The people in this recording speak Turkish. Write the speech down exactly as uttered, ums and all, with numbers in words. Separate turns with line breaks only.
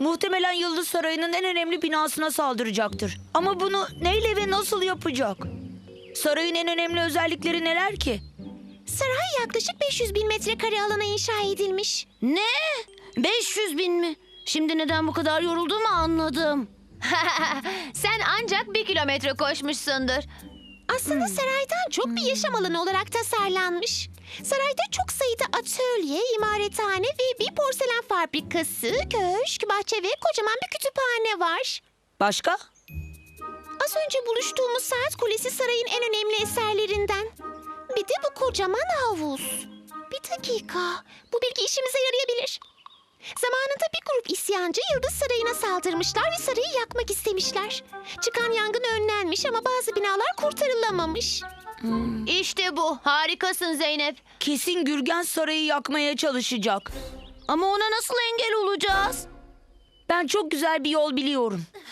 Muhtemelen Yıldız Sarayı'nın en önemli binasına saldıracaktır. Ama bunu neyle ve nasıl yapacak? Sarayın en önemli özellikleri neler ki?
Saray yaklaşık beş yüz bin metrekare alana inşa edilmiş.
Ne? beş yüz bin mi? Şimdi neden bu kadar yorulduğumu anladım.
Sen ancak bir kilometre koşmuşsundur.
Aslında saraydan çok bir yaşam alanı olarak tasarlanmış. Sarayda çok sayıda atölye, imarethane ve bir porselen fabrikası, köşk, bahçe ve kocaman bir kütüphane var.
Başka?
Az önce buluştuğumuz saat kulesi sarayın en önemli eserlerinden. Bir de bu kocaman havuz. Bir dakika, bu bilgi işimize yarayabilir. Zamanında bir grup isyancı Yıldız Sarayı'na saldırmışlar ve sarayı yakmak istemişler. Çıkan yangın önlenmiş ama bazı binalar kurtarılamamış.
İşte bu. Harikasın Zeynep.
Kesin Gürgen Sarayı yakmaya çalışacak.
Ama ona nasıl engel olacağız?
Ben çok güzel bir yol biliyorum.